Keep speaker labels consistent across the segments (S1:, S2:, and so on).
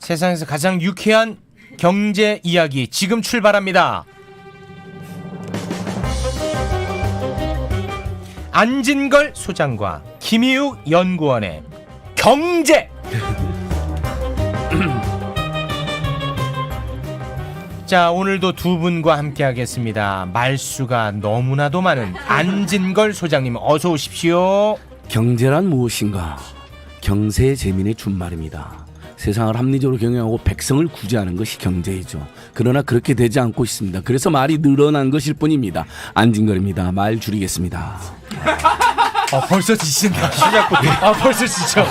S1: 세상에서 가장 유쾌한 경제 이야기 지금 출발합니다. 안진걸 소장과 김희욱 연구원의 경제. 자, 오늘도 두 분과 함께 하겠습니다. 말수가 너무나도 많은 안진걸 소장님 어서 오십시오.
S2: 경제란 무엇인가? 경세의 재민의 준말입니다. 세상을 합리적으로 경영하고 백성을 구제하는 것이 경제이죠. 그러나 그렇게 되지 않고 있습니다. 그래서 말이 늘어난 것일 뿐입니다. 안진걸입니다. 말 줄이겠습니다.
S1: 벌써 지친다. 시작부터. 벌써 지쳐.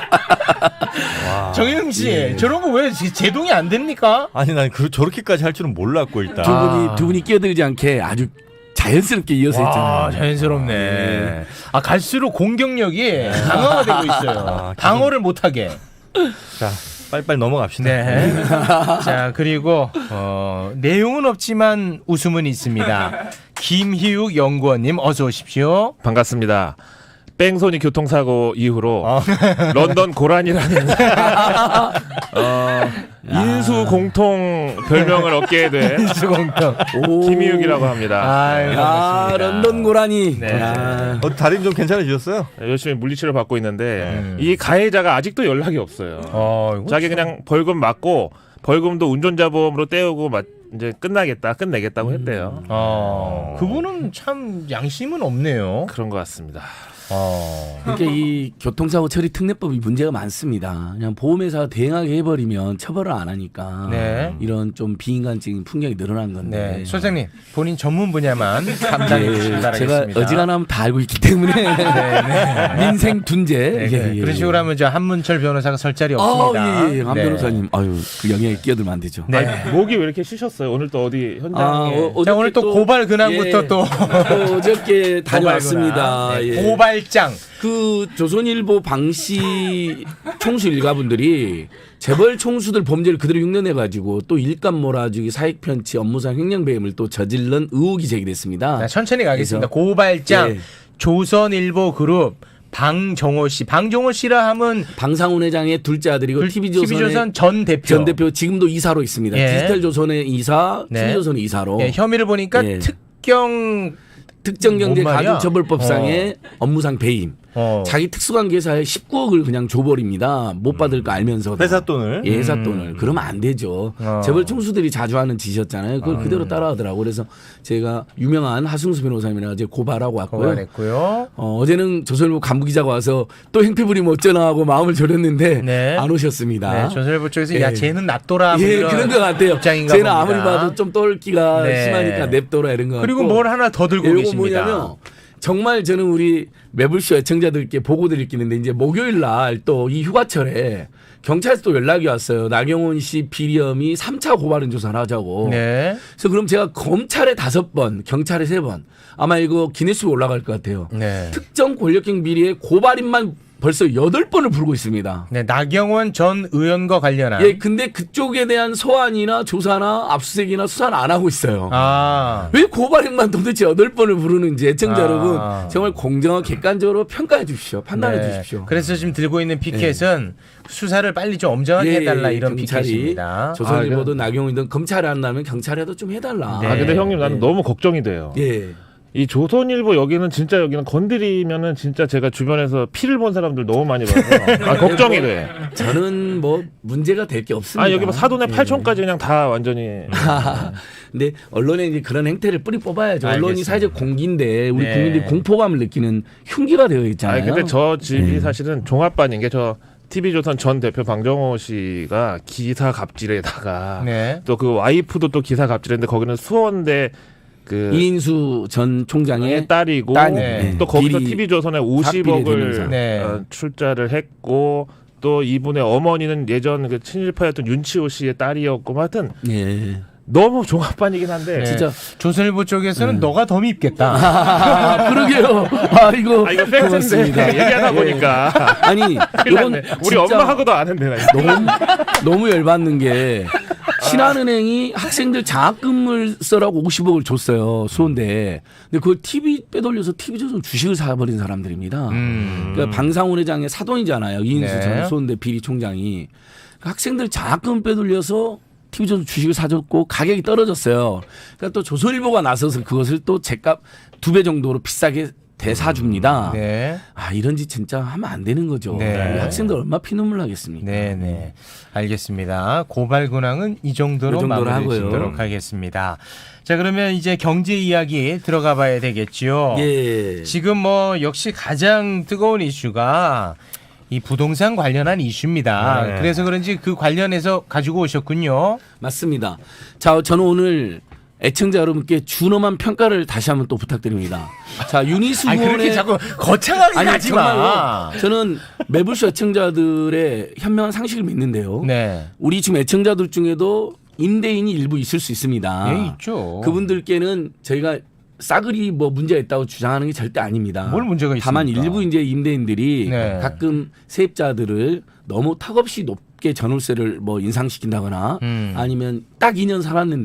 S1: 정영 씨,
S3: 예.
S1: 저런 거 왜 제동이 안 됩니까?
S3: 아니 난 저렇게까지 할 줄은 몰랐고 일단.
S2: 두 분이 끼어들지 않게 아주 자연스럽게 이어서 했잖아요.
S1: 자연스럽네. 갈수록 공격력이 강화가 되고 있어요. 방어를 못하게.
S3: 자, 빨리빨리 넘어갑시다.
S1: 네. 자, 그리고 내용은 없지만 웃음은 있습니다. 김희욱 연구원님 어서 오십시오.
S4: 반갑습니다. 뺑소니 교통사고 이후로 런던 고란이라는 인수 공통 별명을 얻게 된
S1: 인수공통
S4: 김희욱이라고 합니다.
S1: 아유,
S2: 야,
S1: 반갑습니다.
S2: 런던 고라니.
S1: 네.
S2: 야.
S3: 다리 좀 괜찮아지셨어요?
S4: 열심히 물리치료 받고 있는데 이 가해자가 아직도 연락이 없어요.
S1: 이거
S4: 자기 그냥 벌금 맞고 벌금도 운전자 보험으로 떼우고 이제 끝내겠다고 했대요.
S1: 그분은 참 양심은 없네요.
S4: 그런 것 같습니다.
S2: 그러니까 이 교통사고 처리 특례법이 문제가 많습니다. 그냥 보험회사가 대행하게 해버리면 처벌을 안 하니까
S1: 네.
S2: 이런 좀 비인간적인 풍경이 늘어난 건데.
S1: 네, 소장님 본인 전문 분야만 담당해 주시기
S2: 제가
S1: 바라겠습니다.
S2: 어지간하면 다 알고 있기 때문에 민생 둔재.
S1: 네, 그런 식으로 하면 저 한문철 변호사가 설 자리 없습니다.
S2: 예. 한
S1: 네.
S2: 변호사님, 그 영역에 끼어들면 안 되죠.
S1: 네.
S4: 아니, 목이 왜 이렇게 쉬셨어요? 오늘 또 어디 현장에
S1: 자, 오늘 또 고발 근황부터 또
S2: 어저께 다녀왔습니다.
S1: 네,
S2: 예.
S1: 고발장.
S2: 그 조선일보 방시 총수 일가분들이 재벌 총수들 범죄를 그대로 흉내내가지고 또 일감 몰아주기, 사익 편취, 업무상 횡령배임을 또 저질른 의혹이 제기됐습니다.
S1: 자, 천천히 가겠습니다.
S2: 그래서,
S1: 고발장
S2: 예.
S1: 조선일보 그룹 방정호 씨. 방정호 씨라 하면
S2: 방상훈 회장의 둘째 아들이고
S1: TV조선 전 대표.
S2: 전 대표 지금도 이사로 있습니다.
S1: 예.
S2: 디지털조선의 이사,
S1: 네.
S2: TV조선의 이사로.
S1: 예, 혐의를 보니까
S2: 예. 특정경제가중처벌법상의 업무상 배임. 자기 특수관계사에 19억을 그냥 줘버립니다. 못 받을 거 알면서도.
S3: 회사 돈을.
S2: 예, 회사 돈을. 그러면 안 되죠. 재벌 총수들이 자주 하는 짓이었잖아요. 그걸 그대로 따라하더라고요. 그래서 제가 유명한 하승수 변호사님이랑 이제 고발하고 왔고요.
S1: 고발했고요.
S2: 어제는 조선일보 간부기자가 와서 또 행패 부리면 어쩌나 하고 마음을 졸였는데
S1: 네.
S2: 안 오셨습니다.
S1: 네, 조선일보 쪽에서
S2: 예.
S1: 야 쟤는 놔둬라. 뭐
S2: 예,
S1: 이런
S2: 그런 것 같아요.
S1: 입장인가
S2: 쟤는
S1: 봅니다.
S2: 아무리 봐도 좀 똘끼가
S1: 네.
S2: 심하니까 냅둬라 이런 거.
S1: 그리고
S2: 같고.
S1: 뭘 하나 더 들고
S2: 이거
S1: 계십니다.
S2: 뭐냐면 정말 저는 우리 매불쇼 애청자들께 보고드릴 게 있는데 이제 목요일 날 또 이 휴가철에 경찰에서 또 연락이 왔어요. 나경원 씨 비리혐의 3차 고발인 조사를 하자고.
S1: 네.
S2: 그래서 그럼 제가 검찰에 5번, 경찰에 3번 아마 이거 기네스북 올라갈 것 같아요.
S1: 네.
S2: 특정 권력형 비리의 고발인만 벌써 8번을 부르고 있습니다.
S1: 네, 나경원 전 의원과 관련한.
S2: 예, 근데 그쪽에 대한 소환이나 조사나 압수수색이나 수사는 안 하고 있어요. 왜 고발인만 도대체 8번을 부르는지 애청자 여러분 정말 공정하고 객관적으로 평가해 주십시오. 판단해
S1: 네.
S2: 주십시오.
S1: 그래서 지금 들고 있는 피켓은 수사를 빨리 좀 엄정하게 해달라 이런
S2: 경찰이
S1: 피켓입니다.
S2: 조선일보든 나경원이든 검찰이 안 나면 경찰에도 좀 해달라.
S1: 네.
S4: 근데 형님 나는 너무 걱정이 돼요.
S2: 예.
S4: 이 조선일보 여기는 건드리면은 진짜 제가 주변에서 피를 본 사람들 너무 많이 봐서 걱정이 돼.
S2: 저는 뭐 문제가 될 게 없습니다.
S4: 여기 뭐 사돈의 8촌까지 그냥 다 완전히.
S2: 근데 언론에 이제 그런 행태를 뿌리 뽑아야죠. 언론이
S1: 알겠습니다.
S2: 사회적 공기인데 우리
S1: 네.
S2: 국민들이 공포감을 느끼는 흉기가 되어 있잖아요.
S4: 근데 저 집이 사실은 종합반인 게 저 TV조선 전 대표 방정호 씨가 기사 갑질에다가
S1: 네.
S4: 또 그 와이프도 또 기사 갑질했는데 거기는 수원대 그
S2: 이인수 전 총장의
S4: 딸이고
S1: 네.
S4: 또 거기서
S2: 비리,
S4: TV조선에
S2: 비리 대명사.
S4: 50억을
S1: 네.
S4: 출자를 했고 또 이분의 어머니는 예전 그 친일파였던 윤치호 씨의 딸이었고 하여튼
S2: 예.
S4: 너무 종합반이긴 한데
S1: 네.
S2: 진짜.
S1: 조선일보 쪽에서는 너가 더 밉겠다.
S2: 그러게요. 이거
S4: 이거 팩트인데
S2: 고맙습니다.
S4: 얘기하다 보니까
S2: 아니 이건
S4: 우리
S2: 진짜
S4: 엄마하고도 아는데 나
S2: 너무 열받는 게 신한은행이 학생들 장학금을 써라고 50억을 줬어요. 수원대에. 근데 그걸 TV 빼돌려서 TV조선 주식을 사버린 사람들입니다. 그러니까 방상훈 회장의 사돈이잖아요. 이인수
S1: 네.
S2: 전 수원대 비리 총장이. 학생들 장학금 빼돌려서 TV조선 주식을 사줬고 가격이 떨어졌어요. 그러니까 또 조선일보가 나서서 그것을 또 제값 2배 정도로 비싸게 대사줍니다.
S1: 네.
S2: 아 이런 짓 진짜 하면 안 되는 거죠.
S1: 네.
S2: 우리 학생들 얼마 피눈물 나겠습니까?
S1: 네네. 알겠습니다. 고발 근황은 이 정도로
S2: 이 정도로
S1: 마무리
S2: 하고요.
S1: 짓도록 하겠습니다. 자, 그러면 이제 경제 이야기 들어가 봐야 되겠지요.
S2: 예.
S1: 지금 뭐 역시 가장 뜨거운 이슈가 이 부동산 관련한 이슈입니다.
S3: 네.
S1: 그래서 그런지 그 관련해서 가지고 오셨군요.
S2: 맞습니다. 자, 저는 오늘 애청자 여러분께 준엄한 평가를 다시 한번 또 부탁드립니다. 자,
S1: 아니
S2: 유니스원의
S1: 그렇게 자꾸 거창하게 하지 마.
S2: 정말로 저는 매불쇼 애청자들의 현명한 상식을 믿는데요.
S1: 네.
S2: 우리 지금 애청자들 중에도 임대인이 일부 있을 수 있습니다.
S1: 예, 있죠.
S2: 그분들께는 저희가 싸그리 뭐 문제가 있다고 주장하는 게 절대 아닙니다.
S1: 뭘 문제가 있습니까?
S2: 다만 일부 이제 임대인들이
S1: 네.
S2: 가끔 세입자들을 너무 턱없이 높게 전월세를 뭐 인상시킨다거나 아니면 딱 2년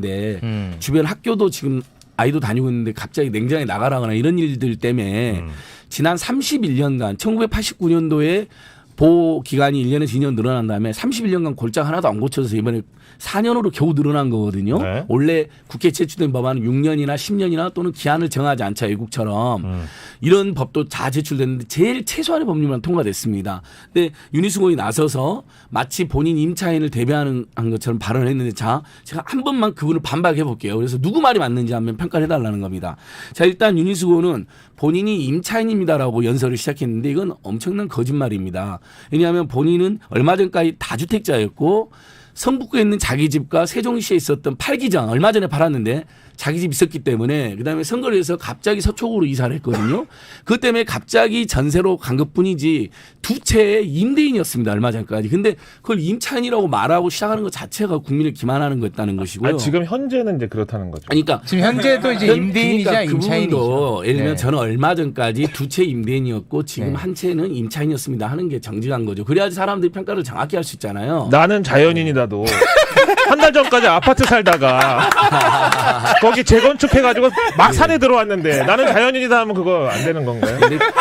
S2: 살았는데 주변 학교도 지금 아이도 다니고 있는데 갑자기 냉장에 나가라거나 이런 일들 때문에 지난 31년간 1989년도에 보호 기간이 1년에서 2년 늘어난 다음에 31년간 골장 하나도 안 고쳐서 이번에 4년으로 겨우 늘어난 거거든요.
S3: 네.
S2: 원래 국회 제출된 법안은 6년이나 10년이나 또는 기한을 정하지 않자 외국처럼 이런 법도 다 제출됐는데 제일 최소한의 법률만 통과됐습니다. 근데 유니스공이 나서서 마치 본인 임차인을 대변하는 것처럼 발언을 했는데 자 제가 한 번만 그분을 반박해 볼게요. 그래서 누구 말이 맞는지 한번 평가를 해달라는 겁니다. 자 일단 유니스공은 본인이 임차인입니다라고 연설을 시작했는데 이건 엄청난 거짓말입니다. 왜냐하면 본인은 얼마 전까지 다주택자였고 성북구에 있는 자기 집과 세종시에 있었던 팔기장 얼마 전에 팔았는데 자기 집 있었기 때문에 그다음에 선거를 해서 갑자기 서초구로 이사를 했거든요. 그것 때문에 갑자기 전세로 간 것뿐이지 두 채의 임대인이었습니다. 얼마 전까지. 근데 그걸 임차인이라고 말하고 시작하는 것 자체가 국민을 기만하는 거였다는 것이고요.
S4: 아니, 지금 현재는 이제 그렇다는 거죠.
S2: 그러니까
S1: 지금 현재도 이제 임대인이자
S2: 그러니까 그
S1: 임차인이죠.
S2: 부분도 예를 들면
S1: 네.
S2: 저는 얼마 전까지 두 채 임대인이었고 지금
S1: 네.
S2: 한 채는 임차인이었습니다 하는 게 정직한 거죠. 그래야지 사람들이 평가를 정확히 할 수 있잖아요.
S4: 나는 자연인이다도 한 달 전까지 아파트 살다가 거기 재건축해가지고 막 산에 들어왔는데 나는 자연인이다 하면 그거 안 되는 건가요?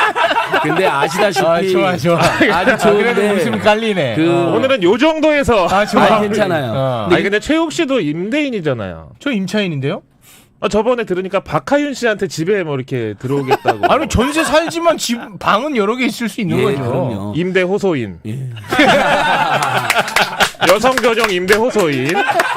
S2: 근데 아시다시피
S1: 아, 좋아, 좋아.
S2: 아주
S1: 그래도
S2: 좋은데
S1: 웃음 깔리네.
S2: 그
S4: 오늘은 요 정도에서
S1: 아, 좋아.
S2: 아니, 괜찮아요.
S1: 어.
S4: 아니 근데 최욱 씨도 임대인이잖아요.
S1: 저 임차인인데요?
S4: 저번에 들으니까 박하윤 씨한테 집에 뭐 이렇게 들어오겠다고.
S1: 아니 전세 살지만 집 방은 여러 개 있을 수 있는
S2: 예,
S1: 거죠.
S2: 그럼요.
S4: 임대 호소인.
S2: 예.
S4: 여성 교정 임대 호소인.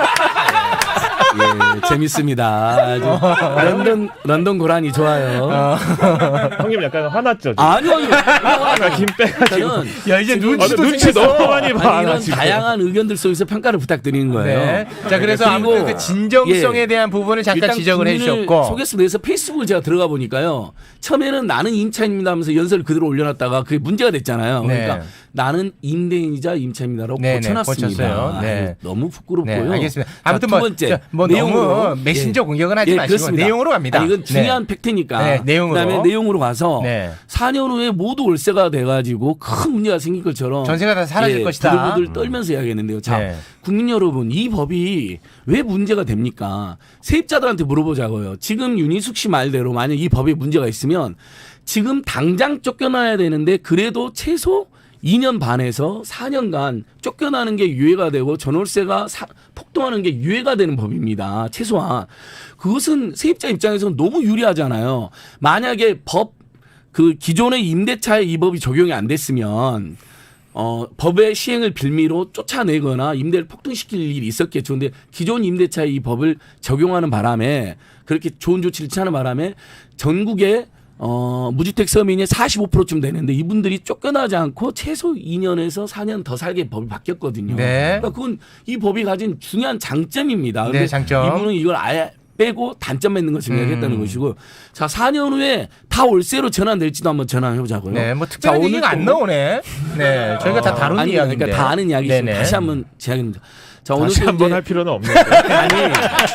S2: 예, 재밌습니다. 아주 런던 고라니 좋아요.
S4: 형님 약간 화났죠? 지금?
S2: 아니요.
S4: 김 빼가지고.
S2: 저는
S1: 야 이제
S2: 지금
S1: 눈치도
S4: 눈치
S1: 생겼어.
S4: 너무 많이 봐.
S2: 아니,
S4: 나
S2: 이런
S4: 지금.
S2: 다양한 의견들 속에서 평가를 부탁드리는 거예요.
S1: 네. 자 그래서
S2: 그리고
S1: 아무튼 그 진정성에
S2: 예.
S1: 대한 부분을 잠깐
S2: 일단
S1: 지적을
S2: 국민을
S1: 해주셨고.
S2: 소개서 내서 페이스북을 제가 들어가 보니까요. 처음에는 나는 임차인입니다 하면서 연설을 그대로 올려놨다가 그게 문제가 됐잖아요.
S1: 네.
S2: 그러니까 나는 임대인이자 임차인이다라고
S1: 네, 네,
S2: 고쳐놨습니다.
S1: 고쳤어요. 네.
S2: 아유, 너무 부끄럽고요.
S1: 네, 알겠습니다.
S2: 자,
S1: 아무튼
S2: 두
S1: 뭐,
S2: 번째
S1: 뭐 너무 메신저 공격은 하지 마시고
S2: 그렇습니다.
S1: 내용으로 갑니다.
S2: 아니, 이건 중요한
S1: 네.
S2: 팩트니까.
S1: 네, 내용으로.
S2: 그다음에 내용으로 가서
S1: 네.
S2: 4년 후에 모두 월세가 돼가지고 큰 문제가 생길 것처럼
S1: 전세가 다 사라질 것이다.
S2: 부들부들 떨면서 이야기했는데요. 자,
S1: 네.
S2: 국민 여러분, 이 법이 왜 문제가 됩니까? 세입자들한테 물어보자고요. 지금 윤희숙 씨 말대로 만약 이 법에 문제가 있으면 지금 당장 쫓겨나야 되는데 그래도 최소 2년 반에서 4년간 쫓겨나는 게 유예가 되고 전월세가 폭등하는 게 유예가 되는 법입니다. 최소한. 그것은 세입자 입장에서는 너무 유리하잖아요. 만약에 그 기존의 임대차에 이 법이 적용이 안 됐으면 법의 시행을 빌미로 쫓아내거나 임대를 폭등시킬 일이 있었겠죠. 근데 기존 임대차에 이 법을 적용하는 바람에 그렇게 좋은 조치를 취하는 바람에 전국에 무주택 서민의 45%쯤 되는데 이분들이 쫓겨나지 않고 최소 2년에서 4년 더 살게 법이 바뀌었거든요.
S1: 네.
S2: 그러니까 그건 이 법이 가진 중요한 장점입니다.
S1: 네,
S2: 근데
S1: 장점.
S2: 이분은 이걸 아예 빼고 단점 맺는 것을 이야기했다는 것이고 자 4년 후에 다 월세로 전환될지도 한번 전환해 보자고요.
S1: 네, 뭐 특별한 얘기가 안 나오네. 네, 저희가 다 다룬
S2: 아니,
S1: 이야기인데.
S2: 그러니까 다 아는 이야기지만
S1: 네네.
S2: 다시 한번 제약입니다. 자
S4: 다시
S2: 오늘
S4: 한번 할 필요는 없는데.
S2: 아니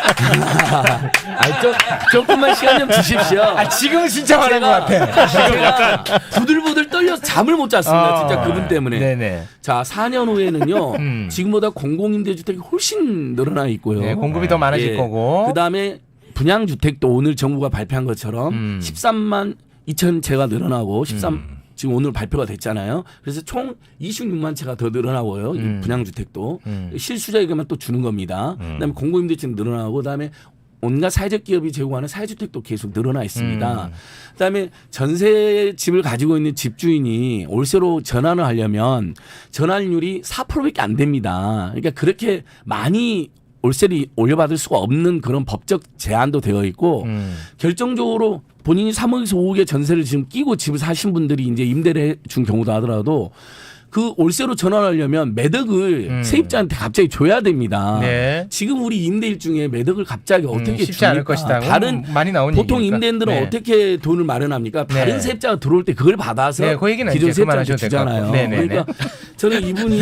S2: 조금만 시간 좀 주십시오.
S1: 아 지금은 진짜 화난 것 같아.
S2: 지금 약간 부들부들 떨려서 잠을 못 잤습니다. 진짜 그분 때문에.
S1: 네네.
S2: 자 4년 후에는요 지금보다 공공임대주택이 훨씬 늘어나 있고요.
S1: 네, 공급이 더 많아질
S2: 예.
S1: 거고.
S2: 그다음에 분양주택도 오늘 정부가 발표한 것처럼 13만 2천 채가 늘어나고 지금 오늘 발표가 됐잖아요. 그래서 총 26만 채가 더 늘어나고요. 이 분양주택도 실수자에게만 또 주는 겁니다. 그다음에 공공임대주택 늘어나고 그다음에 온갖 사회적 기업이 제공하는 사회주택도 계속 늘어나 있습니다. 그다음에 전세 집을 가지고 있는 집주인이 월세로 전환을 하려면 전환율이 4%밖에 안 됩니다. 그러니까 그렇게 많이 월세를 올려받을 수가 없는 그런 법적 제한도 되어 있고 결정적으로 본인이 3억에서 5억의 전세를 지금 끼고 집을 사신 분들이 이제 임대를 해준 경우도 하더라도 그 월세로 전환하려면 매덕을 세입자한테 갑자기 줘야 됩니다.
S1: 네.
S2: 지금 우리 임대일 중에 매덕을 갑자기 어떻게
S1: 쉽지
S2: 줍니까?
S1: 않을 것이다.
S2: 다른
S1: 많이 나온
S2: 보통
S1: 얘기니까.
S2: 임대인들은
S1: 네.
S2: 어떻게 돈을 마련합니까? 다른
S1: 네.
S2: 세입자가 들어올 때 그걸 받아서
S1: 네, 그 얘기는
S2: 기존
S1: 이제
S2: 세입자한테
S1: 그만하셔도 될것 같고.
S2: 주잖아요.
S1: 네네네.
S2: 그러니까 저는 이분이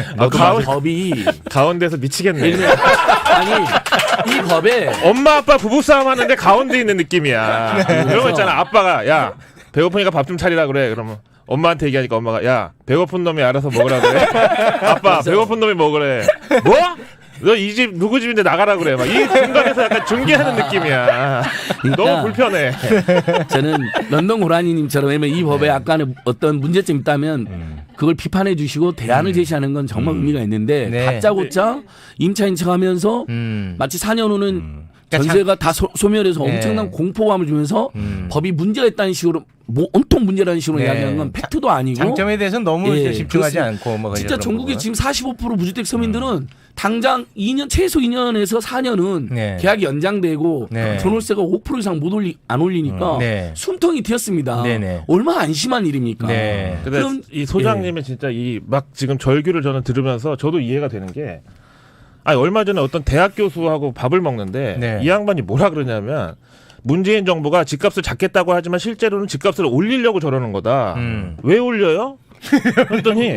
S2: 법이
S4: 가운데서 미치겠네.
S2: 아니 이 법에
S4: 엄마 아빠 부부싸움 하는데 가운데 있는 느낌이야. 그런 거 있잖아. 아빠가 야 배고프니까 밥 좀 차리라 그래. 그러면 엄마한테 얘기하니까 엄마가 야 배고픈 놈이 알아서 먹으라 그래. 아빠 배고픈 놈이 먹으래. 뭐? 너 이 집 누구 집인데 나가라 그래. 막 이 중간에서 약간 중계하는 느낌이야.
S2: 그러니까
S4: 너무 불편해.
S2: 저는 런던 고라니님처럼 왜냐면 이 법에 약간의 어떤 문제점이 있다면 그걸 비판해 주시고 대안을 제시하는 건 정말 의미가 있는데
S1: 네.
S2: 다짜고짜 임차인 척하면서 마치 4년 후는 전세가 다 소멸해서
S1: 네.
S2: 엄청난 공포감을 주면서 법이 문제가 있다는 식으로 뭐 온통 문제라는 식으로
S1: 네.
S2: 이야기하는 건 팩트도 아니고
S1: 장점에 대해서는 너무
S2: 예,
S1: 집중하지
S2: 그렇습니다.
S1: 않고 뭐
S2: 진짜
S1: 이런
S2: 전국의
S1: 부분.
S2: 지금 45% 무주택 서민들은 당장 2년 최소 2년에서 4년은
S1: 네.
S2: 계약이 연장되고
S1: 네.
S2: 전월세가 5% 이상 안 올리니까
S1: 네.
S2: 숨통이 튀었습니다.
S1: 네네.
S2: 얼마나 안심한 일입니까?
S1: 네.
S4: 근데
S2: 그럼
S4: 이 소장님의 진짜 이 막 지금 절규를 저는 들으면서 저도 이해가 되는 게 아니 얼마 전에 어떤 대학 교수하고 밥을 먹는데
S1: 네.
S4: 이 양반이 뭐라 그러냐면 문재인 정부가 집값을 잡겠다고 하지만 실제로는 집값을 올리려고 저러는 거다. 왜 올려요? 그랬더니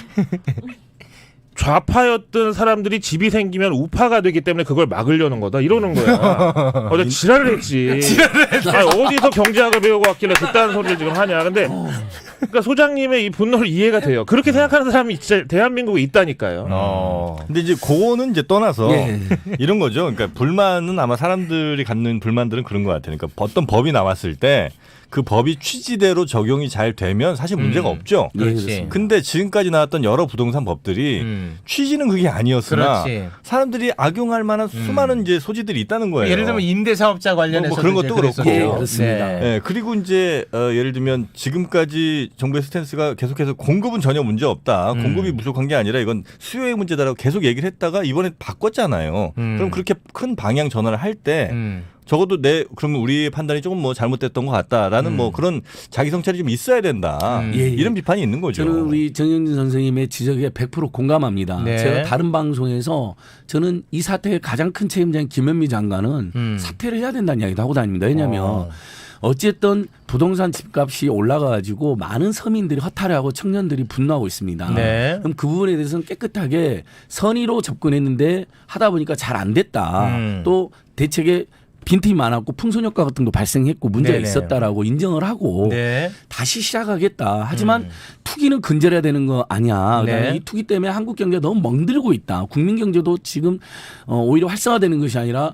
S4: 좌파였던 사람들이 집이 생기면 우파가 되기 때문에 그걸 막으려는 거다 이러는 거야. 내가 지랄을 했지. 아니, 어디서 경제학을 배우고 왔길래 그딴 소리를 지금 하냐. 근데 그러니까 소장님의 이 분노를 이해가 돼요. 그렇게 생각하는 사람이 진짜 대한민국에 있다니까요.
S3: 근데 이제 그거는 이제 떠나서
S2: 예.
S3: 이런 거죠. 그러니까 불만은 아마 사람들이 갖는 불만들은 그런 것 같아요. 그러니까 어떤 법이 나왔을 때 그 법이 취지대로 적용이 잘 되면 사실 문제가 없죠.
S2: 예,
S1: 그렇지.
S2: 그렇습니다.
S3: 근데 지금까지 나왔던 여러 부동산 법들이 취지는 그게 아니었으나
S1: 그렇지.
S3: 사람들이 악용할 만한 수많은 이제 소지들이 있다는 거예요.
S1: 예를 들면 임대사업자 관련해서
S3: 뭐 그런 것도 그렇고.
S2: 예, 그렇습니다.
S3: 예, 그리고 이제 예를 들면 지금까지 정부의 스탠스가 계속해서 공급은 전혀 문제 없다. 공급이 부족한 게 아니라 이건 수요의 문제다라고 계속 얘기를 했다가 이번에 바꿨잖아요. 그럼 그렇게 큰 방향 전환을 할 때 적어도 그러면 우리의 판단이 조금 뭐 잘못됐던 것 같다라는 뭐 그런 자기 성찰이 좀 있어야 된다.
S2: 예, 예.
S3: 이런 비판이 있는 거죠.
S2: 저는 우리 정영진 선생님의 지적에 100% 공감합니다.
S1: 네.
S2: 제가 다른 방송에서 저는 이 사태의 가장 큰 책임자인 김현미 장관은 사퇴를 해야 된다는 이야기도 하고 다닙니다. 왜냐하면 어쨌든 부동산 집값이 올라가가지고 많은 서민들이 허탈해하고 청년들이 분노하고 있습니다.
S1: 네.
S2: 그럼 그 부분에 대해서는 깨끗하게 선의로 접근했는데 하다 보니까 잘 안 됐다. 또 대책에 빈틈이 많았고 풍선 효과 같은 거 발생했고 문제가
S1: 네네.
S2: 있었다라고 인정을 하고
S1: 네.
S2: 다시 시작하겠다. 하지만 투기는 근절해야 되는 거 아니야. 그다음에
S1: 네.
S2: 이 투기 때문에 한국 경제가 너무 멍들고 있다. 국민 경제도 지금 오히려 활성화되는 것이 아니라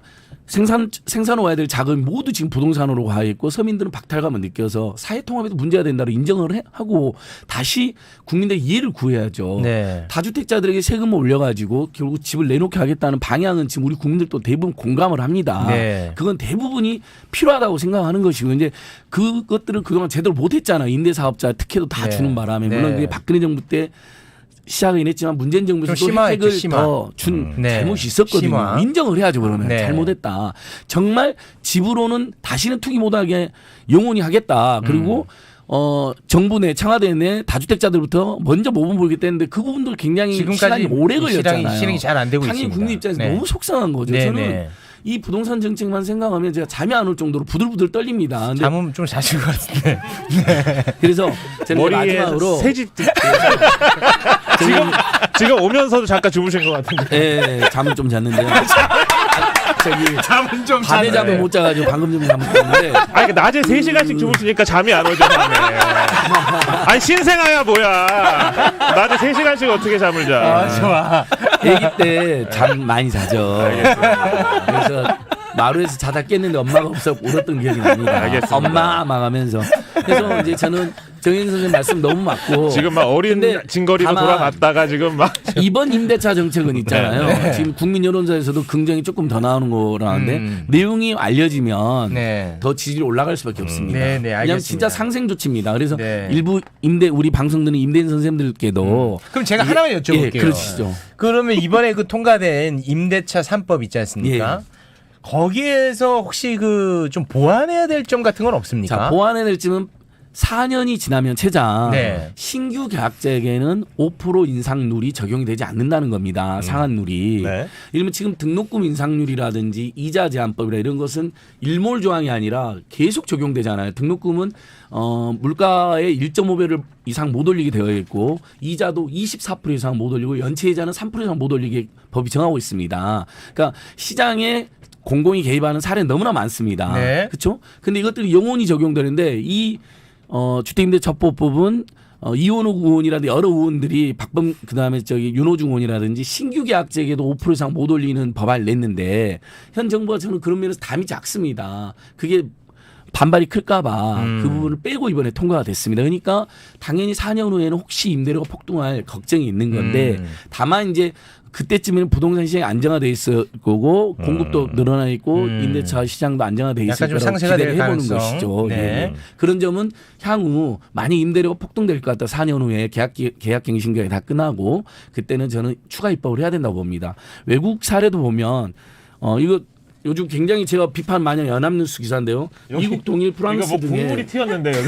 S2: 생산해야 될 자금이 모두 지금 부동산으로 가 있고 서민들은 박탈감을 느껴서 사회통합에도 문제가 된다고 인정을 하고 다시 국민들의 이해를 구해야죠.
S1: 네.
S2: 다주택자들에게 세금을 올려가지고 결국 집을 내놓게 하겠다는 방향은 지금 우리 국민들도 대부분 공감을 합니다.
S1: 네.
S2: 그건 대부분이 필요하다고 생각하는 것이고 이제 그것들을 그동안 제대로 못했잖아요. 임대사업자 특혜도 다
S1: 네.
S2: 주는 바람에
S1: 네.
S2: 물론 그게 박근혜 정부 때 시작은 했지만 문재인 정부에서
S1: 좀
S2: 또
S1: 심화했죠,
S2: 혜택을
S1: 심화.
S2: 더 준
S1: 네.
S2: 잘못이 있었거든요.
S1: 심화.
S2: 인정을 해야죠. 그러면
S1: 네.
S2: 잘못했다. 정말 집으로는 다시는 투기 못하게 영원히 하겠다. 그리고 정부 내 청와대 내 다주택자들부터 먼저 모범 보이겠다 했는데 그 부분도 굉장히 시간이 오래 걸렸잖아요.
S1: 실행이 잘 안 되고
S2: 당연히
S1: 있습니다.
S2: 국민 입장에서
S1: 네.
S2: 너무 속상한 거죠.
S1: 네,
S2: 저는
S1: 네.
S2: 이 부동산 정책만 생각하면 제가 잠이 안 올 정도로 부들부들 떨립니다. 근데
S1: 잠은 좀 자실 것 같은데.
S2: 그래서 저는
S4: 머리에
S2: 마지막으로
S4: 새집 지금 오면서도 잠깐 주무신 것 같은데.
S2: 예, 잠은 좀 잤는데요. 저기
S1: 잠은 좀
S2: 밤에 잠을 못 자가지고 방금 좀 잠을 잤는데
S4: 아니 낮에 3시간씩 주무시니까 잠이 안 오죠. 밤에. 아니 신생아야 뭐야. 낮에 3시간씩 어떻게 잠을 자.
S1: 좋아.
S2: 아기 때 잠 많이 자죠. 그래서 마루에서 자다 깼는데 엄마가 없어 울었던 기억이 납니다.
S4: 알겠습니다.
S2: 엄마 망하면서. 그래서 이제 저는 정현 선생님 말씀 너무 맞고
S4: 지금 막 어린
S2: 근데
S4: 진거리로
S2: 다만
S4: 돌아갔다가 지금 막
S2: 이번 임대차 정책은 있잖아요. 지금 국민 여론조사에서도 긍정이 조금 더 나오는 거라는데 내용이 알려지면
S1: 네.
S2: 더 지지율이 올라갈 수밖에 없습니다.
S1: 네, 네,
S2: 왜냐하면
S1: 알겠습니다.
S2: 진짜 상생 조치입니다. 그래서
S1: 네.
S2: 일부 우리 방송 듣는 임대인 선생님들께도
S1: 그럼 제가 하나만 여쭤볼게요.
S2: 예, 그러시죠.
S1: 그러면 이번에 그 통과된 임대차 3법 있지 않습니까?
S2: 예.
S1: 거기에서 혹시 그 좀 보완해야 될 점 같은 건 없습니까?
S2: 자, 보완해야 될 점은 4년이 지나면 최장
S1: 네.
S2: 신규 계약자에게는 5% 인상률이 적용이 되지 않는다는 겁니다. 상한률이.
S3: 네.
S2: 이러면 지금 등록금 인상률이라든지 이자 제한법이라 이런 것은 일몰 조항이 아니라 계속 적용되잖아요. 등록금은 물가의 1.5배를 이상 못 올리게 되어 있고 이자도 24% 이상 못 올리고 연체 이자는 3% 이상 못 올리게 법이 정하고 있습니다. 그러니까 시장에 공공이 개입하는 사례는 너무나 많습니다.
S1: 네.
S2: 그렇죠? 근데 이것들이 영원히 적용되는데 이 주택임대처법은 이원호 의원이라든지 여러 의원들이 그다음에 윤호중 의원이라든지 신규 계약자에게도 5% 이상 못 올리는 법안을 냈는데 현 정부가 저는 그런 면에서 담이 작습니다. 그게 반발이 클까봐 그 부분을 빼고 이번에 통과가 됐습니다. 그러니까 당연히 4년 후에는 혹시 임대료가 폭등할 걱정이 있는 건데 다만 이제 그때쯤에는 부동산 시장이 안정화돼 있을 거고 공급도 늘어나 있고 임대차 시장도 안정화돼 있을
S1: 약간 좀
S2: 거라고
S1: 상쇄가 될
S2: 기대를 해보는
S1: 가능성.
S2: 것이죠.
S1: 네.
S2: 예. 그런 점은 향후 만약 임대료가 폭등될 것 같다 4년 후에 계약갱신기간이 다 끝나고 그때는 저는 추가 입법을 해야 된다고 봅니다. 외국 사례도 보면 이거 요즘 굉장히 제가 비판 많이 연합뉴스 기사인데요. 미국 동일 프랑스
S4: 이거 뭐
S2: 등의
S4: 국물이 튀었는데 여기.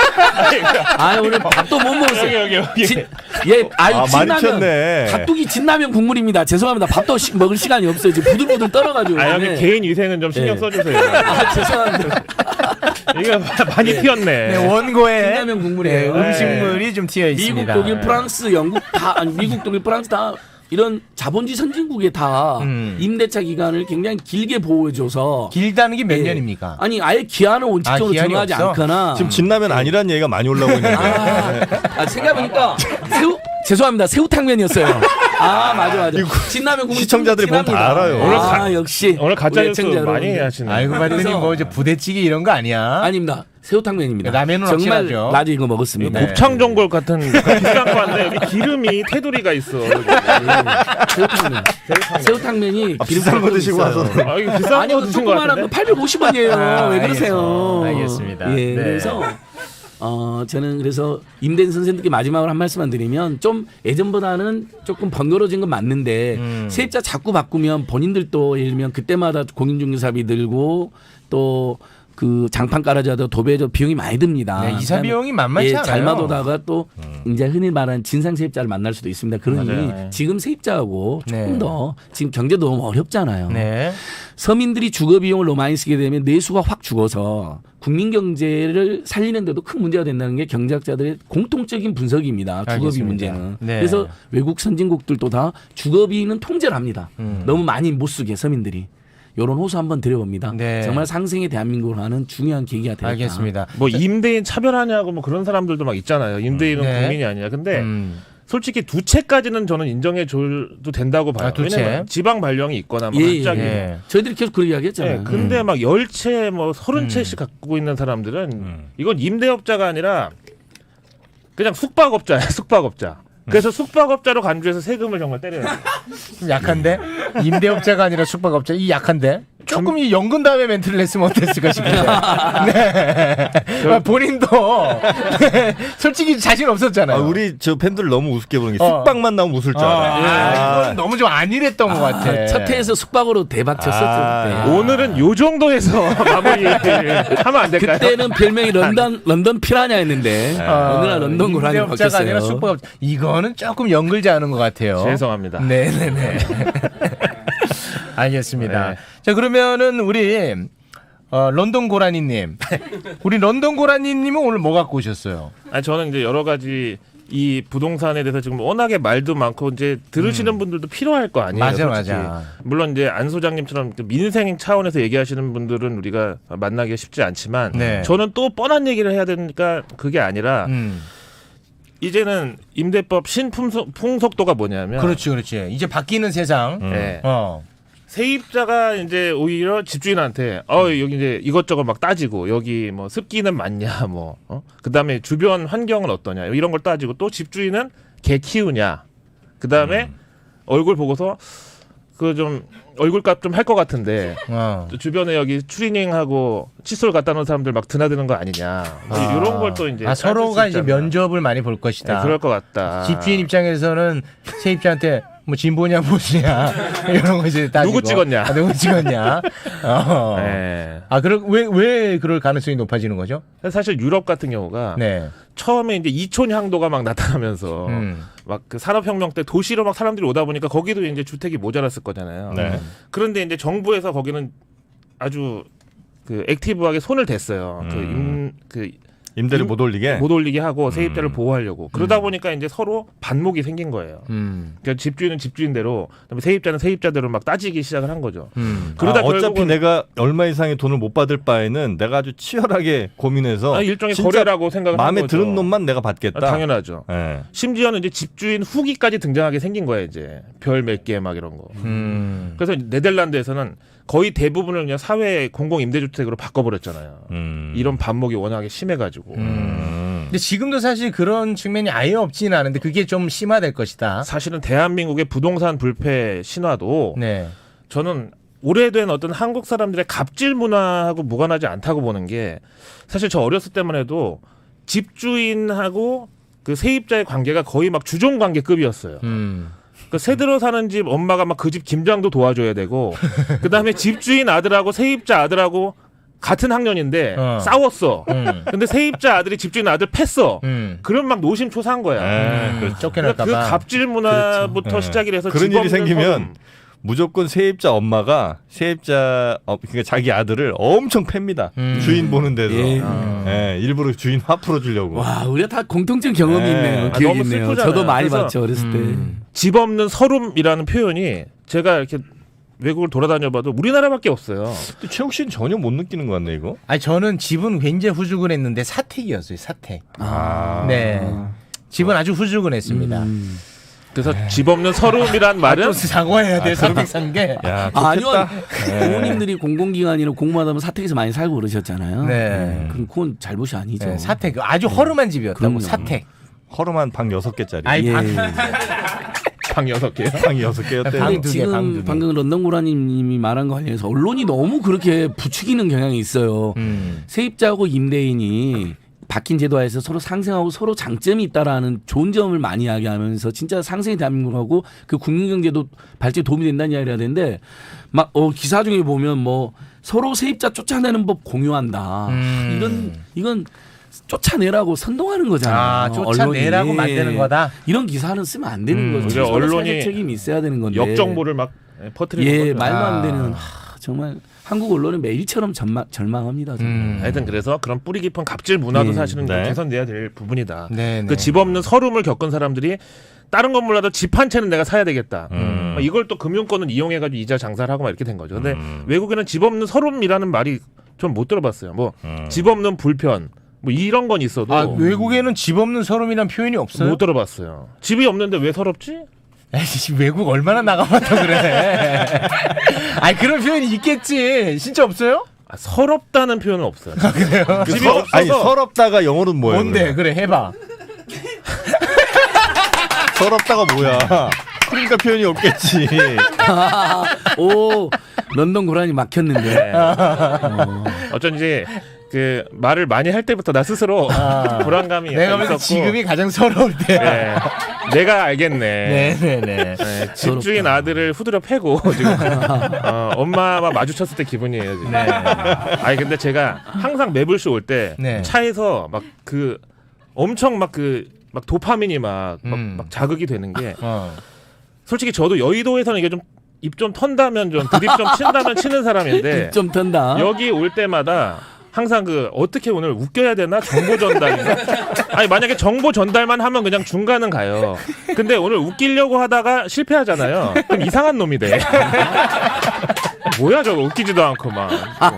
S2: 오늘 밥도 못 먹었어요.
S4: 여기.
S3: 많이
S2: 진라면
S3: 튀었네.
S2: 갓뚜기 진라면 국물입니다. 죄송합니다. 밥도 먹을 시간이 없어요. 지금 부들부들 떨어가지고.
S4: 아 여기
S2: 네.
S4: 개인 위생은 좀 신경
S2: 네.
S4: 써주세요.
S2: 죄송합니다.
S4: 이거 많이 튀었네.
S1: 네, 원고에
S2: 진라면 국물이에요.
S1: 네, 음식물이 좀 튀어
S2: 미국,
S1: 있습니다.
S2: 독일, 프랑스, 영국 미국, 독일, 프랑스 다 이런 자본주의 선진국에 다 임대차 기간을 굉장히 길게 보호해줘서
S1: 길다는 게 몇
S2: 예.
S1: 년입니까?
S2: 아니 아예 기한을 원칙적으로
S1: 기한이
S2: 정하지
S1: 없어?
S2: 않거나
S3: 지금 진라면 아니란 얘기가 많이 올라오고 있는데.
S2: 생각해보니까 죄송합니다. 새우탕면이었어요. 맞아. 진라면 국물
S3: 시청자들이 보면 다
S2: 진합니다.
S3: 알아요.
S2: 역시
S4: 오늘 가짜
S2: 우리
S4: 뉴스
S2: 애청자
S4: 많이
S2: 여러분들.
S4: 하시네.
S1: 알고 봤더니
S2: 그래서-
S1: 뭐 이제 부대찌개 이런 거 아니야?
S2: 아닙니다. 새우탕면입니다.
S1: 라면은
S2: 정말
S1: 확실하죠.
S2: 낮에 이거 먹었습니다.
S1: 네.
S4: 곱창전골 같은 비싼 거 한데 여기 기름이 테두리가 있어.
S2: 새우탕면이
S3: 비싼 거 드시고 와서.
S4: 아 이거 비싼
S2: 아니요,
S4: 거 드신 거
S2: 조그만한 거
S4: 같은데.
S2: 850원이에요. 왜 그러세요?
S1: 알겠습니다.
S2: 예,
S1: 네.
S2: 그래서 저는 그래서 임대인 선생님께 마지막으로 한 말씀만 드리면 좀 예전보다는 조금 번거로워진 건 맞는데 세입자 자꾸 바꾸면 본인들도 예를 들면 그때마다 공인중개사비 들고 또 그 장판 깔아줘도 도배해줘 비용이 많이 듭니다.
S1: 네, 이사 비용이 만만치 않아요.
S2: 잘못 오다가 또 이제 흔히 말하는 진상 세입자를 만날 수도 있습니다. 그러니
S4: 맞아요.
S2: 지금 세입자하고 조금
S1: 네.
S2: 더 지금 경제도 너무 어렵잖아요.
S1: 네.
S2: 서민들이 주거 비용을 너무 많이 쓰게 되면 내수가 확 죽어서 국민 경제를 살리는데도 큰 문제가 된다는 게 경제학자들의 공통적인 분석입니다. 주거비
S1: 알겠습니다.
S2: 문제는.
S1: 네.
S2: 그래서 외국 선진국들도 다 주거비는 통제를 합니다. 너무 많이 못 쓰게 서민들이. 이런 호소 한번 드려봅니다.
S1: 네.
S2: 정말 상생의 대한민국을 하는 중요한 계기가 되겠다.
S1: 알겠습니다.
S4: 뭐 임대인 차별하냐고 뭐 그런 사람들도 막 있잖아요. 임대인은
S1: 네.
S4: 국민이 아니야. 근데
S1: 음.
S4: 솔직히 두 채까지는 저는 인정해 줘도 된다고 봐요.
S1: 두 채.
S4: 왜냐면 지방 발령이 있거나 뭐
S2: 예,
S4: 갑자기.
S1: 예.
S2: 저희들이 계속 그 이야기했잖아요.
S4: 네, 근데 막 10채 뭐 30채씩 갖고 있는 사람들은 이건 임대업자가 아니라 그냥 숙박업자야. 숙박업자. 그래서 숙박업자로 간주해서 세금을 정말 때려요.
S1: 좀 약한데? 임대업자가 아니라 숙박업자. 이 약한데? 조금 이 연근 다음에 멘트를 했으면 어땠을까 싶은데. 네. 본인도 솔직히 자신 없었잖아요.
S3: 우리 저 팬들 너무 우습게 보는 게
S1: 어.
S3: 숙박만 나오면 웃을 줄 알아요.
S1: 이건 너무 좀 안일했던 것 같아.
S2: 첫 회에서 숙박으로 대박 쳤었을 때.
S4: 오늘은 요 정도에서 마무리하면 안 될까요?
S2: 그때는 별명이 런던 피라냐였는데 어느 날 런던 고라니
S1: 임대업자가 아니라
S2: 바뀌었어요.
S1: 숙박업자. 이거는 조금 연글지 않은 것 같아요.
S4: 죄송합니다.
S1: 네네네. 알겠습니다.
S4: 네.
S1: 자 그러면은 우리 런던 고라니님, 우리 런던 고라니님은 오늘 뭐 갖고 오셨어요?
S4: 아니 저는 이제 여러 가지 이 부동산에 대해서 지금 워낙에 말도 많고 이제 들으시는 분들도 필요할 거 아니에요.
S1: 맞아,
S4: 솔직히.
S1: 맞아.
S4: 물론 이제 안 소장님처럼 민생 차원에서 얘기하시는 분들은 우리가 만나기가 쉽지 않지만
S1: 네.
S4: 저는 또 뻔한 얘기를 해야 되니까 그게 아니라 이제는 임대법 신풍속도가 뭐냐면
S1: 그렇지. 이제 바뀌는 세상.
S4: 네. 세입자가 이제 오히려 집주인한테 여기 이제 이것저것 막 따지고 여기 뭐 습기는 맞냐 뭐 그다음에 주변 환경은 어떠냐 이런 걸 따지고 또 집주인은 개 키우냐 그다음에 얼굴 보고서 그 좀 얼굴값 좀 할 것 같은데 주변에 여기 추리닝하고 칫솔 갖다 놓은 사람들 막 드나드는 거 아니냐 뭐 이런 걸 또 이제
S1: 서로가 이제 면접을 많이 볼 것이다.
S4: 네, 그럴 것 같다.
S1: 집주인 입장에서는 세입자한테 뭐 진보냐 보수냐 이런 거 이제 따지고
S4: 누구 찍었냐?
S1: 누구 찍었냐?
S4: 네.
S1: 왜 그럴 가능성이 높아지는 거죠?
S4: 사실 유럽 같은 경우가
S1: 네.
S4: 처음에 이제 이촌 향도가 막 나타나면서 막 그 산업혁명 때 도시로 막 사람들이 오다 보니까 거기도 이제 주택이 모자랐을 거잖아요.
S3: 네.
S4: 그런데 이제 정부에서 거기는 아주 그 액티브하게 손을 댔어요.
S3: 임대를 못 올리게.
S4: 못 올리게 하고 세입자를 보호하려고. 그러다 보니까 이제 서로 반목이 생긴 거예요. 그러니까 집주인은 집주인대로, 그다음에 세입자는 세입자대로 막 따지기 시작을 한 거죠. 그러다
S3: 어차피
S4: 결국은
S3: 내가 얼마 이상의 돈을 못 받을 바에는 내가 아주 치열하게 고민해서
S4: 일종의
S3: 진짜
S4: 거래라고 생각을 한
S3: 마음에
S4: 거죠.
S3: 드는 놈만 내가 받겠다.
S4: 당연하죠.
S3: 네.
S4: 심지어는 이제 집주인 후기까지 등장하게 생긴 거예요. 이제 별 몇 개 막 이런 거. 그래서 네덜란드에서는 거의 대부분을 그냥 사회 공공 임대주택으로 바꿔버렸잖아요. 이런 반목이 워낙에 심해가지고.
S1: 근데 지금도 사실 그런 측면이 아예 없지는 않은데 그게 좀 심화될 것이다.
S4: 사실은 대한민국의 부동산 불패 신화도
S1: 네.
S4: 저는 오래된 어떤 한국 사람들의 갑질 문화하고 무관하지 않다고 보는 게 사실 저 어렸을 때만 해도 집주인하고 그 세입자의 관계가 거의 막 주종 관계급이었어요. 그 새 들어 사는 집 엄마가 막 그 집 김장도 도와줘야 되고 그다음에 집주인 아들하고 세입자 아들하고 같은 학년인데 싸웠어. 근데 세입자 아들이 집주인 아들 팼어. 그럼 막 노심초사한 거야.
S3: 그렇죠.
S1: 쫓겨날까
S4: 그
S1: 봐.
S4: 갑질 문화부터
S3: 그렇죠.
S4: 시작이 돼서
S3: 그런
S4: 집
S3: 일이
S4: 없는
S3: 생기면
S4: 서름.
S3: 무조건 세입자 엄마가 세입자 그러니까 자기 아들을 엄청 팹니다. 주인 보는 데서
S2: 예.
S3: 예, 일부러 주인 화 풀어주려고.
S2: 와, 우리가 다 공통적 경험이
S3: 네.
S2: 있네요.
S4: 아,
S2: 기억이
S4: 너무
S2: 있네요.
S4: 슬프잖아요.
S2: 저도 많이
S4: 그래서
S2: 봤죠 어렸을 때.
S4: 집 없는 서름이라는 표현이 제가 이렇게 외국을 돌아다녀봐도 우리나라밖에 없어요.
S3: 근데 최욱 씨는 전혀 못 느끼는 것 같네 이거.
S1: 아니 저는 집은 굉장히 후주근했는데 사택이었어요. 사택.
S3: 아.
S1: 네. 집은 아주 후주근했습니다.
S4: 그래서 집 없는 서름이란 말은
S1: 또 사과해야 돼. 사택 산 게.
S3: 야,
S2: 아니요.
S3: 좋겠다.
S2: 부모님들이 공공기관이나 공무하다 보면 사택에서 많이 살고 그러셨잖아요.
S1: 네.
S2: 그럼 그건 잘못이 아니죠.
S1: 네, 사택 아주 허름한 집이었다고.
S2: 그럼요.
S1: 사택.
S3: 허름한 방 6개짜리.
S1: 아이
S2: 예.
S1: 방.
S4: 방 6개요.
S3: 방이 6개였대.
S1: 방
S2: 근데
S1: 두 개, 방 두 개.
S2: 지금 방금 런던고라님이 말한 거 관련해서 언론이 너무 그렇게 부추기는 경향이 있어요. 세입자하고 임대인이 바뀐 제도하에서 서로 상생하고 서로 장점이 있다라는 좋은 점을 많이 이야기하면서 진짜 상생이 대한민국하고 그 국민경제도 발전에 도움이 된다는 이야기를 해야 되는데 막 기사 중에 보면 뭐 서로 세입자 쫓아내는 법 공유한다. 이건 쫓아내라고 선동하는 거잖아요.
S1: 쫓아내라고
S2: 언론이.
S1: 만드는 거다.
S2: 이런 기사는 쓰면 안 되는 거죠.
S4: 그러니까
S2: 서로
S4: 언론이
S2: 사회적 책임이 있어야 되는 건데.
S4: 역정보를 막 퍼뜨리는
S2: 예,
S4: 거죠.
S2: 말도 안 되는 정말 한국 언론은 매일처럼 절망합니다. 정말.
S4: 하여튼 그래서 그런 뿌리 깊은 갑질 문화도
S2: 예.
S4: 사실은 좀
S3: 네.
S4: 개선돼야 될 부분이다.
S1: 네, 네.
S4: 그 집 없는 서름을 겪은 사람들이 다른 건 몰라도 집 한 채는 내가 사야 되겠다. 이걸 또 금융권을 이용해가지고 이자 장사를 하고 막 이렇게 된 거죠. 근데 외국에는 집 없는 서름이라는 말이 좀 못 들어봤어요. 뭐 집 없는 불편 뭐 이런 건 있어도
S1: 외국에는 집 없는 서름이란 표현이 없어요?
S4: 못 들어봤어요. 집이 없는데 왜 서럽지?
S1: 에이씨, 외국 얼마나 나가봤다 그래. 아니 그런 표현이 있겠지. 진짜 없어요?
S4: 서럽다는 표현은 없어요.
S3: 그
S4: 집이 없어서
S3: 아니 서럽다가 영어로는 뭐예요?
S1: 뭔데? 그래 해봐.
S3: 서럽다가 뭐야? 그러니까 표현이 없겠지.
S2: 오, 런던 고라니 막혔는데.
S4: 어쩐지 그 말을 많이 할 때부터 나 스스로 불안감이
S1: 내가
S4: 약간
S1: 보기엔
S4: 있었고
S1: 지금이 가장 서러울 때야.
S4: 네, 내가 알겠네.
S1: 네네네.
S4: 네, 집주인 아들을 후드려 패고 지금 엄마와 마주쳤을 때 기분이에요 지금.
S1: 네.
S4: 아니 근데 제가 항상 매불쇼 올 때
S1: 네.
S4: 차에서 막 그 엄청 막 도파민이 막 자극이 되는 게 솔직히 저도 여의도에서는 이게 좀 입 좀 턴다면 좀 드립 좀 친다면 치는 사람인데
S2: 좀 턴다.
S4: 여기 올 때마다 항상 그 어떻게 오늘 웃겨야 되나 정보 전달인가? 아니 만약에 정보 전달만 하면 그냥 중간은 가요. 근데 오늘 웃기려고 하다가 실패하잖아요. 그럼 이상한 놈이 돼. 뭐야 저거 웃기지도 않고 막.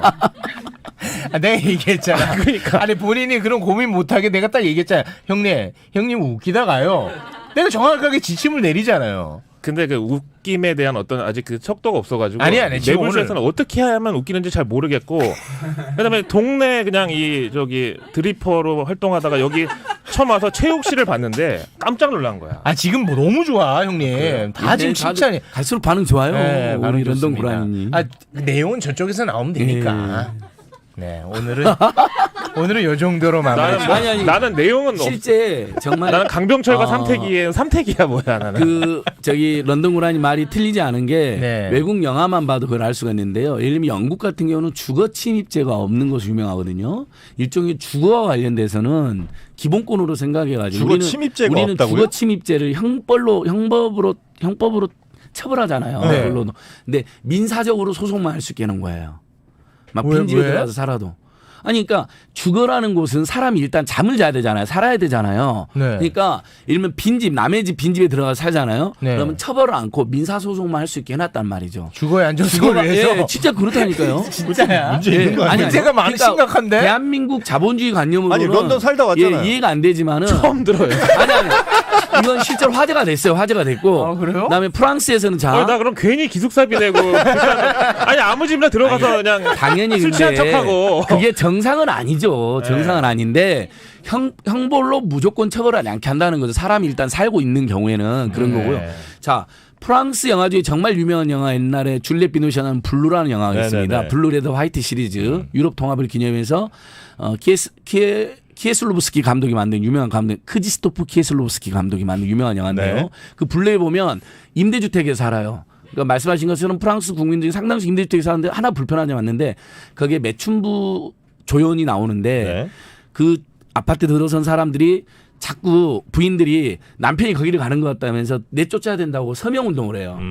S1: 내가 얘기했잖아.
S4: 그러니까.
S1: 아니 본인이 그런 고민 못하게 내가 딱 얘기했잖아. 형님 웃기다가요. 내가 정확하게 지침을 내리잖아요.
S4: 근데 그 웃김에 대한 어떤 아직 그 척도가 없어가지고
S1: 아니, 지금
S4: 매불쇼에서는 어떻게 하면 웃기는지 잘 모르겠고 그다음에 동네 그냥 이 저기 드리퍼로 활동하다가 여기 처음 와서 최욱 씨를 봤는데 깜짝 놀란 거야.
S1: 아 지금 뭐 너무 좋아 형님. 다 지금 칭찬이.
S2: 갈수록 반응 좋아요.
S1: 네,
S2: 우리
S1: 반응
S2: 런던
S1: 좋습니다.
S2: 고라니님.
S1: 아 내용은 저쪽에서 나오면 되니까. 네 오늘은 요 정도로 마무리.
S4: 나는 내용은
S2: 실제 정말
S4: 나는 강병철과
S2: 아.
S4: 삼택이야 뭐야 나는.
S2: 그 저기 런던 고라니 말이 틀리지 않은 게
S1: 네.
S2: 외국 영화만 봐도 그걸 알 수가 있는데요. 예를 들면 영국 같은 경우는 주거 침입죄가 없는 것으로 유명하거든요. 일종의 주거와 관련돼서는 기본권으로 생각해가지고
S3: 주거 침입죄가
S2: 우리는
S3: 없다고요?
S2: 주거 침입죄를 형법으로 처벌하잖아요.
S1: 네.
S2: 그걸로도. 근데 민사적으로 소송만 할 수 있게 하는 거예요. 막
S1: 왜,
S2: 빈집에
S1: 왜?
S2: 들어가서 살아도. 아니 그러니까 주거라는 곳은 사람이 일단 잠을 자야 되잖아요. 살아야 되잖아요.
S1: 네.
S2: 그러니까 이러면 빈집 남의 집 빈집에 들어가서 살잖아요.
S1: 네.
S2: 그러면 처벌을 않고 민사소송만 할 수 있게 해놨단 말이죠.
S1: 주거의 안정성을
S2: 주거가
S1: 위해서.
S2: 예, 진짜 그렇다니까요.
S1: 진짜야.
S3: 문제 있는 거 아니야?
S1: 문제가 많이 심각한데?
S2: 대한민국 자본주의 관념으로는
S3: 아니, 런던 살다 왔잖아요.
S2: 예, 이해가 안 되지만은
S4: 처음 들어요.
S2: 아니 이건 실제로 화제가 됐어요. 화제가 됐고.
S1: 아, 그래요?
S2: 그다음에 프랑스에서는
S4: 나 그럼 괜히 기숙사비 내고 아니 아무 집이나 들어가서 그냥
S2: 당연히
S4: 술 취한
S2: 근데
S4: 척하고.
S2: 그게 정상은 아니죠. 정상은 아닌데 형벌로 무조건 처벌하지 않게 한다는 거죠. 사람이 일단 살고 있는 경우에는 그런 거고요. 자, 프랑스 영화 중에 정말 유명한 영화 옛날에 줄리엣 비노시아 나온 블루라는 영화가
S3: 네네네.
S2: 있습니다. 블루 레드 화이트 시리즈 유럽 통합을 기념해서 키에슬로브스키 감독이 만든 유명한 감독 크지스토프 키에슬로브스키 감독이 만든 유명한 영화인데요.
S3: 네.
S2: 그 블루에 보면 임대주택에 살아요. 그러니까 말씀하신 것처럼 프랑스 국민들이 상당수 임대주택에 사는데 하나 불편한 점이 왔는데 거기에 매춘부 조연이 나오는데
S3: 네.
S2: 그 아파트 들어선 사람들이 자꾸 부인들이 남편이 거기를 가는 것 같다면서 내쫓아야 된다고 서명운동을 해요.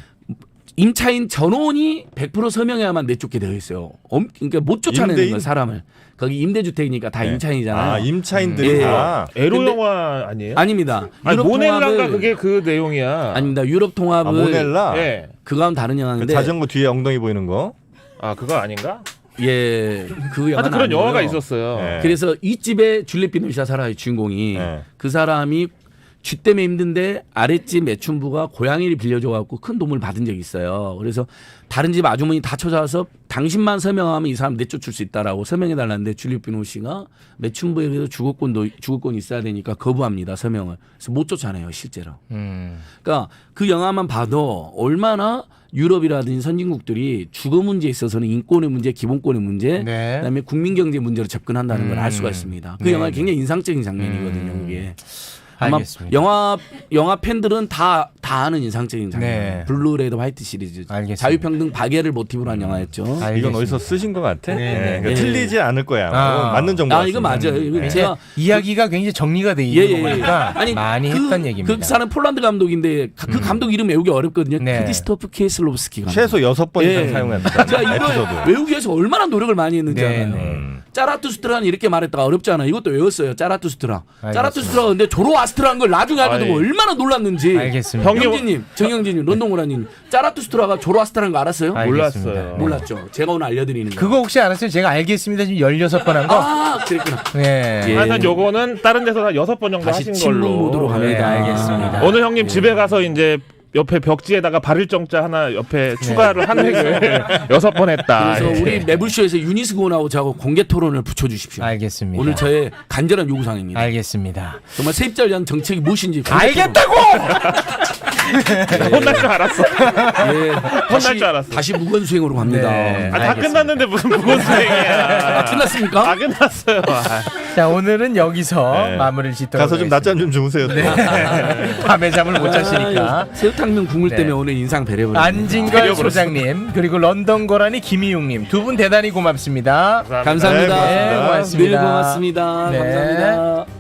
S2: 임차인 전원이 100% 서명해야만 내쫓게 되어 있어요. 그러니까 못 쫓아내는
S3: 임대인?
S2: 거예요, 사람을. 거기 임대주택이니까 다
S3: 네.
S2: 임차인이잖아요.
S3: 아, 임차인들이
S2: 예.
S3: 다.
S4: 에로
S2: 근데-
S4: 영화 아니에요?
S2: 아닙니다.
S4: 아니,
S2: 유럽
S4: 모넬라인가
S2: 통합을
S4: 그게 그 내용이야.
S2: 아닙니다. 유럽 통합을
S3: 모넬라.
S4: 예.
S2: 그건 다른
S3: 그
S2: 영화인데
S3: 자전거 뒤에 엉덩이 보이는 거.
S4: 아 그거 아닌가?
S2: 예, 그 영화
S4: 하여튼 그런 영화가 있었어요.
S3: 네.
S2: 그래서 이 집에 줄리엣 비노시아 살아요, 주인공이.
S3: 네.
S2: 그 사람이 쥐 때문에 힘든데 아랫집 매춘부가 고양이를 빌려줘 갖고 큰 도움을 받은 적이 있어요. 그래서 다른 집 아주머니 다 찾아와서 당신만 서명하면 이 사람 내쫓을 수 있다라고 서명해 달라는데 줄리엣 비노시아가 매춘부에 그래서 주거권이 있어야 되니까 거부합니다, 서명을. 그래서 못 쫓아내요, 실제로. 그러니까 그 영화만 봐도 얼마나 유럽이라든지 선진국들이 주거 문제에 있어서는 인권의 문제, 기본권의 문제,
S1: 네.
S2: 그다음에 국민 경제 문제로 접근한다는 걸 알 수가 있습니다. 그
S1: 네.
S2: 영화 굉장히 인상적인 장면이거든요. 그게. 아마
S1: 알겠습니다.
S2: 영화 팬들은 다 아는 인상적인 장면.
S1: 네.
S2: 블루 레드 화이트 시리즈.
S1: 알겠습니다.
S2: 자유평등 박애를 모티브로 한 영화였죠.
S3: 이건
S1: 알겠습니다.
S3: 어디서 쓰신 것 같아?
S1: 네, 네.
S3: 그러니까
S2: 네.
S3: 틀리지 않을 거야.
S1: 아.
S3: 맞는 정보.
S2: 아 이거 맞아요. 이거
S1: 이제
S2: 제가
S1: 이야기가 굉장히 정리가 돼 있는 거니까 많이 했던 얘기입니다.
S2: 그 사람 폴란드 감독인데 그 감독 이름 외우기 어렵거든요.
S1: 네.
S2: 크리스토프 키에슬로브스키 감독.
S3: 최소 6번 이상
S2: 예.
S3: 사용했다.
S2: 제가 이걸
S3: 에피소드.
S2: 외우기 위해서 얼마나 노력을 많이 했는지
S1: 네,
S2: 알아요.
S1: 네.
S2: 짜라투스트라는 이렇게 말했다가 어렵잖아. 이것도 외웠어요. 짜라투스트라.
S1: 알겠습니다.
S2: 짜라투스트라가 근데 조로아스트라는 걸 나중에 알게 되고
S4: 아이.
S2: 얼마나 놀랐는지.
S1: 알겠습니다.
S4: 형님-
S2: 영진님, 정영진님, 런던고라님, 짜라투스트라가 조로아스트라는 거 알았어요?
S1: 알겠습니다.
S4: 몰랐어요.
S2: 몰랐죠. 제가 오늘 알려드리는 거.
S1: 그거 혹시 알았어요? 제가 알겠습니다. 지금 16번 한 거?
S2: 아, 그랬구나.
S1: 네.
S2: 예.
S4: 하여튼 요거는 다른 데서 한 6번 정도
S2: 다시
S4: 하신
S2: 침묵
S4: 걸로.
S2: 모드로 갑니다.
S1: 네, 알겠습니다.
S4: 오늘 형님 집에 가서 이제 옆에 벽지에다가 바를 정자 하나 옆에 추가를 한 획을 6번 했다.
S2: 그래서
S4: 예.
S2: 우리 매불쇼에서 유니스 고나하고 저하고 공개 토론을 붙여주십시오.
S1: 알겠습니다.
S2: 오늘 저의 간절한 요구사항입니다.
S1: 알겠습니다.
S2: 정말 세입자를 위한 정책이 무엇인지 공개
S1: 알겠다고!
S4: 혼날 줄 알았어.
S2: 토론. 예.
S4: 혼날 줄 알았어.
S2: 다시 무건 수행으로 갑니다.
S1: 네.
S4: 아, 다
S1: 알겠습니다.
S4: 끝났는데 무슨 무건수행이야.
S2: 아, 끝났습니까?
S4: 아 끝났어요.
S1: 자, 오늘은 여기서
S3: 네.
S1: 마무리를 짓도록
S3: 가서 좀 낮잠 좀 주무세요. 또.
S1: 밤에 잠을 못 자시니까.
S2: 아, 새우탕면 국물
S1: 네.
S2: 때문에 오늘 인상 배려버렸네.
S1: 안진걸 소장님 그리고 런던 고라니 김희용님 두 분 대단히 고맙습니다.
S2: 감사합니다.
S3: 네,
S1: 고맙습니다.
S2: 늘 고맙습니다.
S1: 네.
S2: 감사합니다.